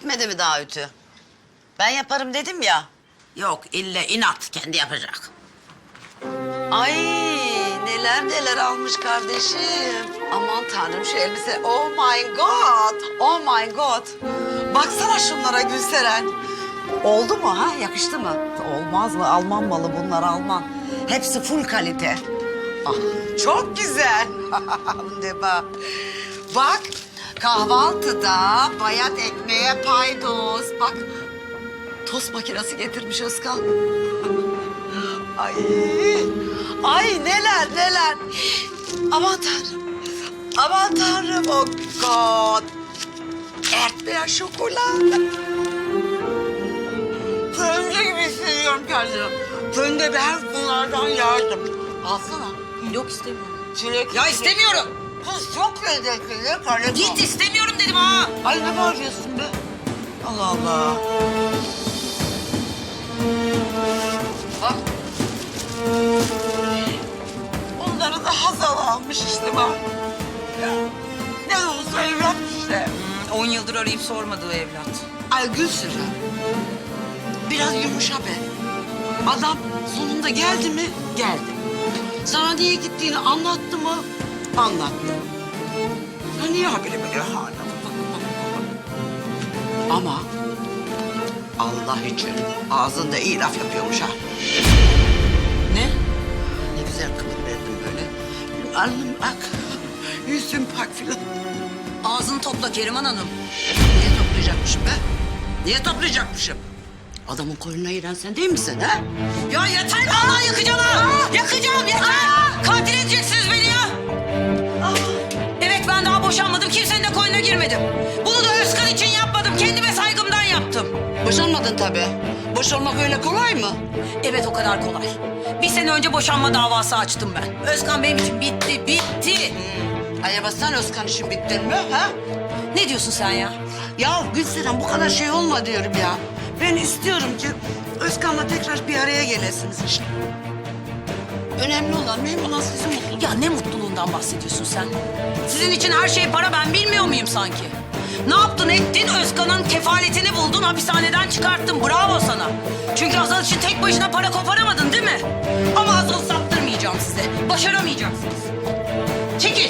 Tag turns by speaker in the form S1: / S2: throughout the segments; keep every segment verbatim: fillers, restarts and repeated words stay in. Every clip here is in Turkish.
S1: Bitmedi mi daha ütü? Ben yaparım dedim ya.
S2: Yok ille inat kendi yapacak.
S1: Ay neler neler almış kardeşim. Aman tanrım şu elbise. Oh my god. Oh my god. Baksana şunlara Gülseren. Oldu mu ha? Yakıştı mı? Olmaz mı? Alman malı bunlar Alman. Hepsi full kalite. Ah, çok güzel. Ne bak. Bak kahvaltıda bayat ekmeğe paydos. Bak tost makinesi getirmiş Özkan. Ay, ay neler neler. Aman tanrım. Aman tanrım oh god. Ertmeyen şokolat. Fönde gibi hissediyorum kendimi. Fönde ben bunlardan yardım. Alsana.
S2: Yok istemiyorum.
S1: Çilek.
S2: Ya istemiyorum.
S1: Kız çok lezzetli. Ne kalem
S2: Git istemiyorum dedim ha.
S1: Ay ne bağırıyorsun be? Allah Allah. Bak. Onları da Hazal almış işte bak. Ya, ne olsa evlat işte.
S2: On yıldır arayıp sormadığı evlat.
S1: Ay Gülseren. Biraz yumuşa be. Adam sonunda geldi mi? Geldi. Sana niye gittiğini anlattı mı? Anlattı. Ya niye haberi böyle hala? Ama Allah için ağzında iyi laf yapıyormuş ha.
S2: Ne?
S1: Ne güzel kıvırırdım böyle. Alnım ak, yüzüm pak filan.
S2: Ağzını topla Keriman Hanım.
S1: Niye toplayacakmışım be? Niye toplayacakmışım? Adamın koynuna giren sen değil misin ha?
S2: Ya yeter vallahi yakacağım ha. Yakacağım yeter. Katil edeceksiniz beni ya. Evet ben daha boşanmadım. Kimsenin de koynuna girmedim. Bunu da Özkan için yapmadım. Kendime saygımdan yaptım.
S1: Boşanmadın tabii. Boşanmak öyle kolay mı?
S2: Evet o kadar kolay. Bir sene önce boşanma davası açtım ben. Özkan benim için bitti, bitti.
S1: Acaba sen Özkan için bittin mi ha?
S2: Ne diyorsun sen ya?
S1: Ya Gülseren bu kadar şey olma diyorum ya. Ben istiyorum ki Özkan'la tekrar bir araya gelesiniz işte. Önemli olan, mühim olan sizin mutluluğunuz.
S2: Ya ne mutluluğundan bahsediyorsun sen? Sizin için her şey para, ben bilmiyor muyum sanki? Ne yaptın ettin? Özkan'ın kefaletini buldun, hapishaneden çıkarttın. Bravo sana. Çünkü Hazal için tek başına para koparamadın değil mi? Ama Hazal'ı saptırmayacağım size. Başaramayacaksınız. Çekil.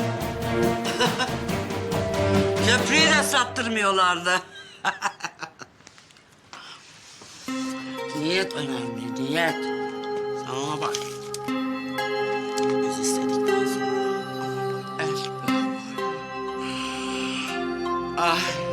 S1: Köprüyü de sattırmıyorlardı. Niyet önemli, niyet. Sen ona bak. Biz istedikten sonra... Evet. Ah.